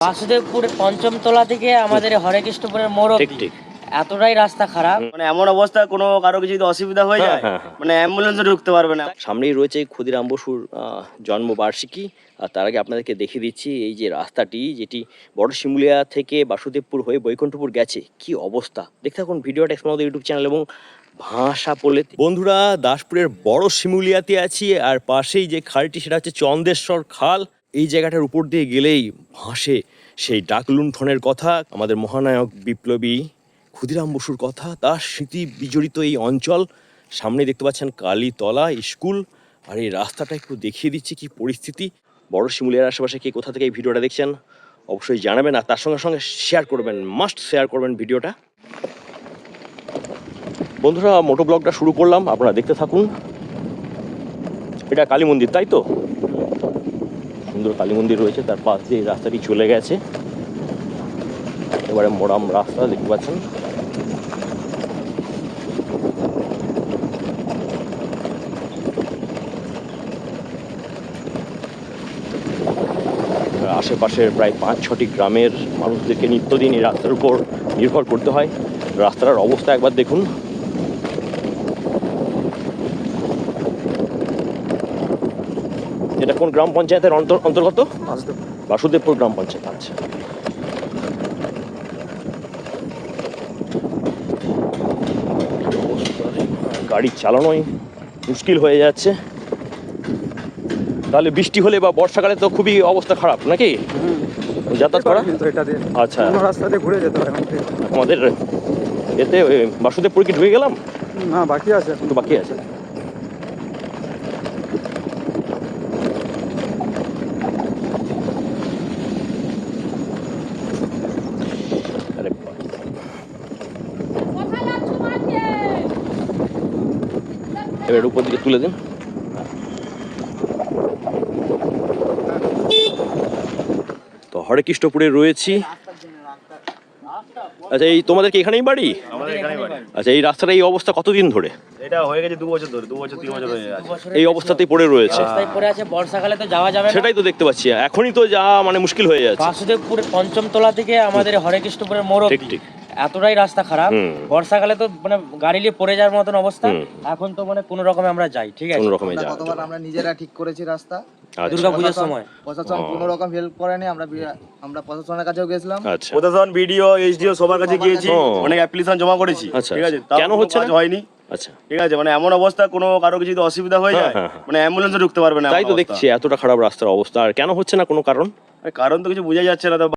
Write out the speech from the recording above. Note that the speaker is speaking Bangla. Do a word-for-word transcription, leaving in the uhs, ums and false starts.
বাসুদেবপুর পঞ্চম তলা থেকে আমাদের হরেকৃষ্ণপুরের মোড় অবধি এতটাই রাস্তা খারাপ, মানে এমন অবস্থা কোনো কারো কিছু যদি অসুবিধা হয়ে যায় মানে অ্যাম্বুলেন্সে ঢুকতে পারবে না। সামনেই রয়েছে ক্ষুদিরাম বসুর জন্মবার্ষিকী, আর তার আগে আপনাদেরকে দেখিয়ে দিচ্ছি এই যে রাস্তাটি, যেটি বড় শিমুলিয়া থেকে বাসুদেবপুর হয়ে বৈকুণ্ঠপুর গেছে, কি অবস্থা দেখতে থাকুন ভিডিওটা আমাদের ইউটিউব চ্যানেল এবং ভাষা পড়লে। বন্ধুরা, দাসপুরের বড় শিমুলিয়াতে আছি, আর পাশেই যে খালটি সেটা হচ্ছে চন্দেশ্বর খাল। এই জায়গাটার উপর দিয়ে গেলেই ভাসে সেই ডাক লুণ্ঠনের কথা, আমাদের মহানায়ক বিপ্লবী ক্ষুদিরাম বসুর কথা, তার স্মৃতি বিজড়িত এই অঞ্চল। সামনে দেখতে পাচ্ছেন কালীতলা স্কুল, আর এই রাস্তাটা একটু দেখিয়ে দিচ্ছি কি পরিস্থিতি। বড় শিমুলিয়ার আশেপাশে কে কোথা থেকে এই ভিডিওটা দেখছেন অবশ্যই জানাবেন, আর তার সঙ্গে সঙ্গে শেয়ার করবেন, মাস্ট শেয়ার করবেন ভিডিওটা। বন্ধুরা, মোটো ব্লগটা শুরু করলাম, আপনারা দেখতে থাকুন। এটা কালী মন্দির, তাই তো? সুন্দর কালী মন্দির রয়েছে, তার পাশ দিয়ে এই রাস্তাটি চলে গেছে, এবারে মোরাম রাস্তা দেখতে পাচ্ছেন। আশেপাশের প্রায় পাঁচ ছটি গ্রামের মানুষদেরকে নিত্যদিন এই রাস্তার উপর নির্ভর করতে হয়। রাস্তার অবস্থা একবার দেখুন। এটা কোন গ্রাম পঞ্চায়েতের অন্তর্গত? বাসুদেবপুর গ্রাম পঞ্চায়েত। আচ্ছা, গাড়ি চালানোই মুশকিল হয়ে যাচ্ছে। তাহলে বৃষ্টি হলে বা বর্ষাকালে তো খুবই অবস্থা খারাপ নাকি যাতায়াত করা? আচ্ছা, রাস্তাতে ঘুরে যেতে হয় আমাদের এতে বাসুদেবপুর কি ঢুকে গেলাম? না, বাকি আছে, একটু বাকি আছে। এবার উপর দিকে তুলে দিন। তো হরেকৃষ্ণপুরে রয়েছি। আচ্ছা, এই তোমাদের কি এখানেই বাড়ি? আমাদের এখানে বাড়ি। আচ্ছা, এই রাস্তাটা এই অবস্থা কতদিন ধরে? এটা হয়ে গেছে দু বছর ধরে, দু বছর তিন বছর হয়ে গেছে এই অবস্থাতেই পড়ে রয়েছে। রাস্তায় পড়ে আছে, বর্ষাকালে তো যাওয়া যাবে না। সেটাই তো দেখতে পাচ্ছি, এখনই তো যা মানে মুশকিল হয়ে যাচ্ছে। বাসুদেবপুর পঞ্চম তলা থেকে আমাদের হরেকৃষ্ণপুরের মোড় ঠিক অবধি ঠিক এতটাই রাস্তা খারাপ, হুম। বর্ষাকালে তো মানে গাড়ি নিয়ে পড়ে যাওয়ার মতন অবস্থা। হুম। এখন তো মানে কোনো রকমে আমরা যাই, ঠিক আছে? কোন রকমে যা। গতবার আমরা নিজেরা ঠিক করেছি রাস্তা, আচ্ছা, দুর্গা পুজোর সময় প্রশাসন ও। কোনো রকম হেল্প করেনি। আমরা বিরা- আমরা প্রশাসনের কাছেও গেছিলাম। আচ্ছা, প্রশাসন, বিডিও, এইচডিও সবার কাছে গিয়েছি, ও। অনেক অ্যাপ্লিকেশন জমা করেছি, আচ্ছা, ঠিক আছে? আচ্ছা। তাও কেন কোনো হচ্ছে কাজ না? হয়নি, আচ্ছা, ঠিক আছে? মানে এমন অবস্থা কোনো কারো কিছু যদি অসুবিধা হয়ে হ্যাঁ, যায় হ্যাঁ, হ্যাঁ। মানে অ্যাম্বুলেন্সে ঢুকতে পারবে না। তাই এমন তো অবস্থা। দেখছি এতটা খারাপ রাস্তার অবস্থা, আর কেন হচ্ছে না কোনো কারণ? কারণ তো কিছু বোঝা যাচ্ছে না। তো